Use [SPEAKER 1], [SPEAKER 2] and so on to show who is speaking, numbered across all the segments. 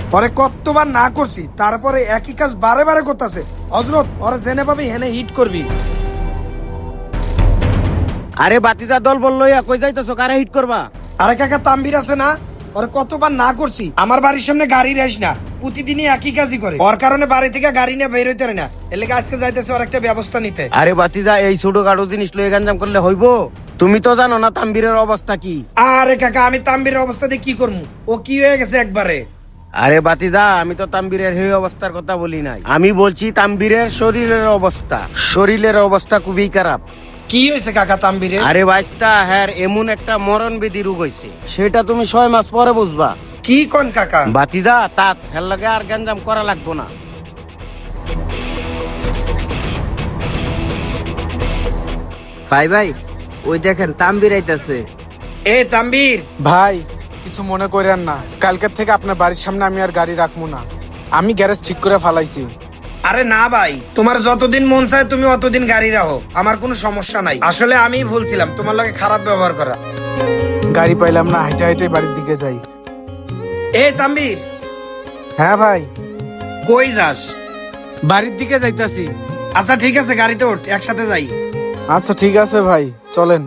[SPEAKER 1] পরে কতবার না করছি, তারপরে একই কাজ বারে বারে করতেছে। হজরত ওরা জেনে পাবি হেনে হিট করবি।
[SPEAKER 2] আরে বাতিজা দল বললো কই যাইতেছো, কারে হিট করবা?
[SPEAKER 1] আরে কাকা তাম্বির আছে না, ওরে কতবার না করছি আমার বাড়ির সামনে গাড়ি রেস না, প্রতিদিনই একই কাজই করে। ওর কারণে বাড়ি থেকে গাড়ি নিয়ে বের হইতে পারে না, এর লেগে আজকে যাইতেছে ওর একটা ব্যবস্থা নিতে।
[SPEAKER 2] আরে বাতিজা এই ছোটখাটো জিনিস লয়ে গঞ্জাম করলে হইব? তুমি তো জানো না তাম্বিরের অবস্থা কি।
[SPEAKER 1] আরে কাকা আমি তাম্বিরের অবস্থা দিয়ে কি করবো, ও কি হয়ে গেছে একবারে।
[SPEAKER 2] আরে বাতিজা আমি তো তাম্বিরের এই অবস্থার কথা বলি নাই, আমি বলছি তাম্বিরের শরীরের অবস্থা। শরীরের অবস্থা খুবই খারাপ।
[SPEAKER 1] কি হয়েছে কাকা তাম্বিরে?
[SPEAKER 2] আরে বাইস্তা হ্যাঁ এমন একটা মরণ ব্যাধি রোগ হয়েছে, সেটা তুমি 6 মাস পরে বুঝবা।
[SPEAKER 1] কি কোন কাকা?
[SPEAKER 2] বাতিজা তাত হেল লাগে আর গঞ্জাম করা লাগবো না।
[SPEAKER 3] ভাই ভাই ওই দেখেন তাম্বির আইতাছে।
[SPEAKER 1] এ তাম্বির
[SPEAKER 4] ভাই কিছু মনে করেন না, কালকের থেকে আপনার বাড়ির সামনে আমি আর গাড়ি রাখবো না, আমি গ্যারেজ ঠিক করে ফালাইছি।
[SPEAKER 1] আরে না ভাই, তোমার যতদিন মন চায় তুমি অতদিন গাড়ি রাখো, আমার কোনো সমস্যা নাই। আসলে আমি ভুলছিলাম তোমার লগে খারাপ ব্যবহার করা।
[SPEAKER 4] গাড়ি পাইলাম না, হাইটে হাইটে বাড়ির দিকে যাই।
[SPEAKER 1] এ তাম্বির,
[SPEAKER 4] হ্যাঁ ভাই,
[SPEAKER 1] কই যাস?
[SPEAKER 4] বাড়ির দিকে যাইতাছি।
[SPEAKER 1] আচ্ছা ঠিক আছে, গাড়িতে ওঠ, একসাথে যাই।
[SPEAKER 4] আচ্ছা ঠিক আছে ভাই, চলেন।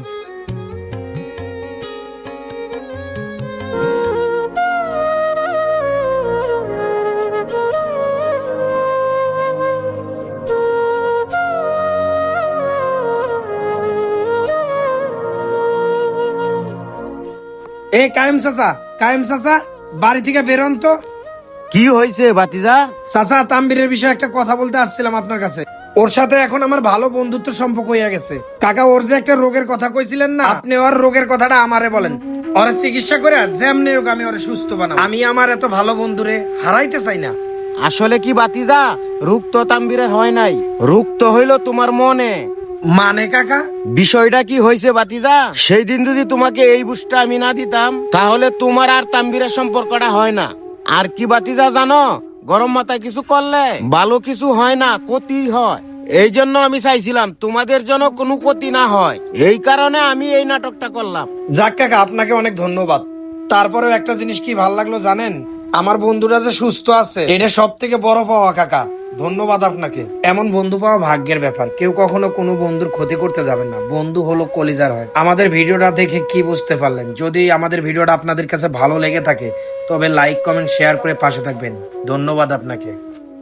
[SPEAKER 1] এ কায়েম চাচা, কায়েম চাচা, বাড়ি থেকে বেরোন তো।
[SPEAKER 2] কি হয়েছে বাতিজা?
[SPEAKER 1] চাচা তাম্বিরের বিষয়ে একটা কথা বলতে আসছিলাম আপনার কাছে। ওর সাথে এখন আমার ভালো বন্ধুত্ব সম্পর্ক হয়ে গেছে। কাকা ওর যে একটা রোগের কথা কইছিলেন না, আপনি ওর রোগের কথাটা আমারে বলেন। ওর চিকিৎসা করে যেমনি হোক আমি ওরে সুস্থ বানাবো। আমি আমার এত ভালো বন্ধুরে হারাইতে চাই না।
[SPEAKER 2] আসলে কি বাতিজা, রোগ তো তাম্বিরের হয় নাই, রোগ তো হইলো তোমার মনে।
[SPEAKER 1] মানে কাকা?
[SPEAKER 2] বিষয়টা কি হয়েছে বাতিজা, সেই দিন যদি তোমাকে এই বুঝটা আমি না দিতাম, তাহলে তোমার আর তাম্বিরের সম্পর্কটা হয় না। আর কি বাতিজা জানো, গরম মাথায় কিছু করলে ভালো কিছু হয় না, ক্ষতি হয়। এই জন্য আমি চাইছিলাম তোমাদের জন্য কোনো ক্ষতি না হয়, এই কারণে আমি এই নাটকটা করলাম।
[SPEAKER 1] যাক কাকা, আপনাকে অনেক ধন্যবাদ। তারপরেও একটা জিনিস কি ভালো লাগলো জানেন, আমার বন্ধুরা যে সুস্থ আছে, এটা সব থেকে বড় পাওয়া কাকা। ধন্যবাদ আপনাকে। এমন বন্ধু পাওয়া ভাগ্যের ব্যাপার। কেউ কখনো কোনো বন্ধুর ক্ষতি করতে যাবেন না, বন্ধু হলো কলিজার হয়। আমাদের ভিডিওটা দেখে কি বুঝতে পারলেন? যদি আমাদের ভিডিওটা আপনাদের কাছে ভালো লেগে থাকে তবে লাইক কমেন্ট শেয়ার করে পাশে থাকবেন। ধন্যবাদ আপনাকে।